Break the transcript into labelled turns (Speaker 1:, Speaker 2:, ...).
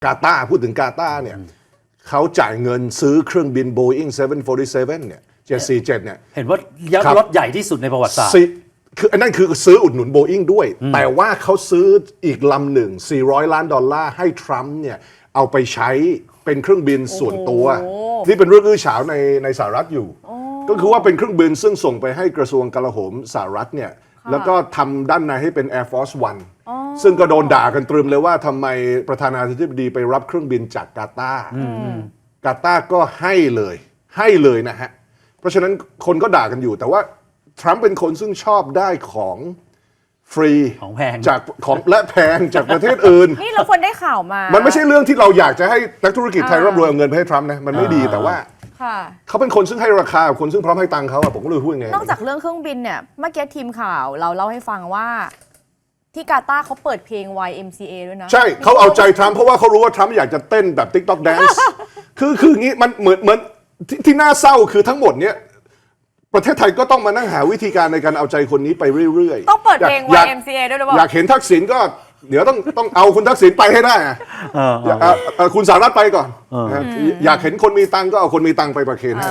Speaker 1: กาตาร์พูดถึงกาตาร์เนี่ยเขาจ่ายเงินซื้อเครื่องบิน Boeing 747 เนี่ย 747 เนี่ย
Speaker 2: เห็นว่ายักษ์รถใหญ่ที่สุดในประวัติศาสตร์
Speaker 1: คืออันนั้นคือซื้ออุดหนุน Boeing ด้วยแต่ว่าเขาซื้ออีกลำหนึ่ง$400 ล้านให้ทรัมป์เนี่ยเอาไปใช้เป็นเครื่องบินส่วนตัวที่เป็นเรื่องอื้อฉาวในสหรัฐอยู่ก็คือว่าเป็นเครื่องบินซึ่งส่งไปให้กระทรวงกลาโหมสหรัฐเนี่ยแล้วก็ทำด้านในให้เป็น Air Force One ซึ่งก็โดนด่ากันตรึมเลยว่าทำไมประธานาธิบดีไปรับเครื่องบินจากกาตาร์กาตาร์ก็ให้เลยนะฮะเพราะฉะนั้นคนก็ด่ากันอยู่แต่ว่าทรัมป์เป็นคนซึ่งชอบได้ของฟรี
Speaker 2: ของแพง
Speaker 1: จากของและแพงจากประเทศอื่น
Speaker 3: นี่เราควรได้ข่าวมา
Speaker 1: มันไม่ใช่เรื่องที่เราอยากจะให้นักธุรกิจไทยร่ำรวยเอาเงินไปให้ทรัมป์นะมันไม่ดีแต่ว่าเขาเป็นคนซึ่งให้ราคาคนซึ่งพร้อมให้ตังค์เขาอะผมก็เลยพูดไง
Speaker 3: นอกจากเรื่องเครื่องบินเนี่ยเมื่อกี้ทีมข่าวเราเล่าให้ฟังว่าที่กาตาร์เขาเปิดเพลง YMCA ด้วยนะ
Speaker 1: ใช่เขาเอาใจทรัมป์เพราะว่าเขารู้ว่าทรัมป์อยากจะเต้นแบบ TikTok Dance คืออย่างนี้มันเหมือนที่น่าเศร้าคือทั้งหมดเนี้ยประเทศไทยก็ต้องมานั่งหาวิธีการในการเอาใจคนนี้ไปเรื่อย
Speaker 3: ๆต้องเปิดเพลง YMCA ด้วยหรือเปล่า
Speaker 1: อยากเห็นทักษิณก็เดี๋ยวต้องเอาคุณทักษิณไปให้ได้คุณสหรัฐไปก่อนอยากเห็นคนมีตังก็เอาคนมีตังไปประเคนให้